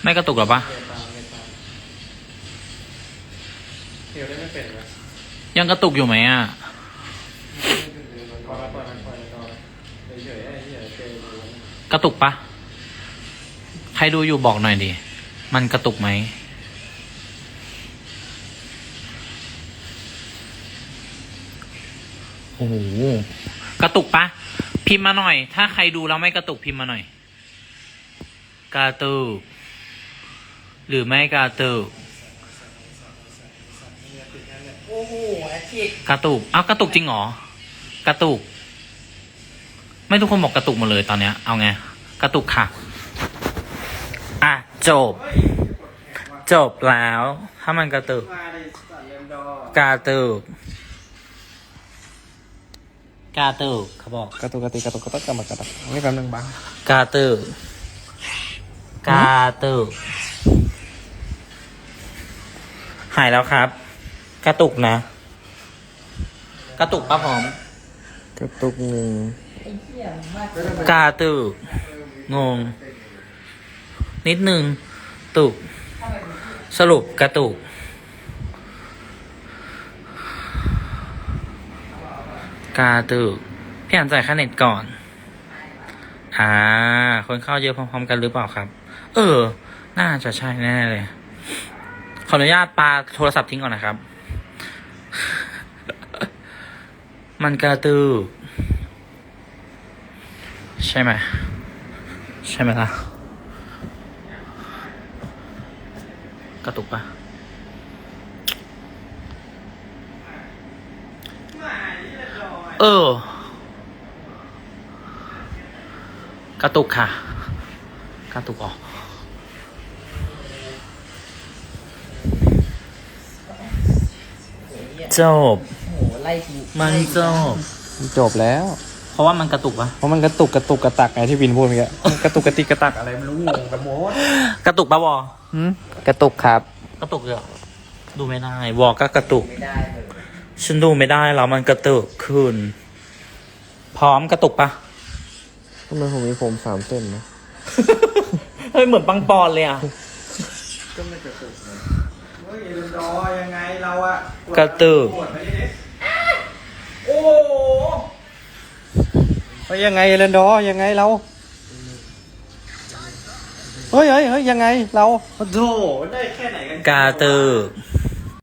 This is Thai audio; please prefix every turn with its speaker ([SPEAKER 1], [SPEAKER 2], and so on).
[SPEAKER 1] ไม่กระตุกหรอปะ
[SPEAKER 2] เดี๋ยวได้ไม่เป็นไหม
[SPEAKER 1] ยังกระตุกอยู่ไหมอ่ะกระตุกปะใครดูอยู่บอกหน่อยดิมันกระตุกไหมโอ้โหกระตุกปะพิมพ์มาหน่อยถ้าใครดูแล้วไม่กระตุกพิมพ์มาหน่อยกระตุกหรือไม่กระตุก
[SPEAKER 3] โอ้โหแอคทีฟ
[SPEAKER 1] กระตุกกระตุกจริงเหรอกระตุกไม่ทุกคนบอกกระตุกหมดเลยตอนเนี้ยเอาไงกระตุกค่ะจบแล้วถ้ามันกระตุกกระตุกเขาบอก
[SPEAKER 2] กระตุกกระตุกกระตุกนี่กำลังบัง
[SPEAKER 1] กระตุกหายแล้วครับกระตุกนะกระตุกป้าพร้อม
[SPEAKER 2] กระตุกหนึ่ง
[SPEAKER 1] กระตุกงงนิดนึงตุกสรุปกระตุกพี่อ่านจ่ายค่าเน็ตก่อนคนเข้าเยอะพร้อมๆกันหรือเปล่าครับน่าจะใช่แน่เลยขออนุญาตปาโทรศัพท์ทิ้งก่อนนะครับมันกระตุกใช่ไหมล่ะกระตุกปะกระตุกค่ะกระตุกออกจบมัน
[SPEAKER 2] จบแล้ว
[SPEAKER 1] เพราะว่ามันกระตุกปะ
[SPEAKER 2] เพราะมันกระตุกกระตักไงที่วินพูดเมื่อกี้กระตุกกระติกกระตักอะไรไม่รู้งงกันหมด
[SPEAKER 1] กระตุกปะวอก
[SPEAKER 2] ระตุกครับ
[SPEAKER 1] กระตุกเลยดูไม่ได้วอก็กระตุกฉันดูไม่ได้แล้วมันกระตุกขึ้นพร้อมกระตุกปะ
[SPEAKER 2] ทำไมผมมีผม3 เส้นนะ
[SPEAKER 1] เฮ้ยเหมือนปังปอนเลยอ่ะ
[SPEAKER 2] ก็ไม่กระตุกนะเฮ้ยรอยังไงเราอะ
[SPEAKER 1] กระตุก
[SPEAKER 2] โอ้เฮ้ยยังไงเรนดอยังไงเราเฮ้ยยังไงเราโธ่ได้แค่ไหนกัน
[SPEAKER 1] กระตุก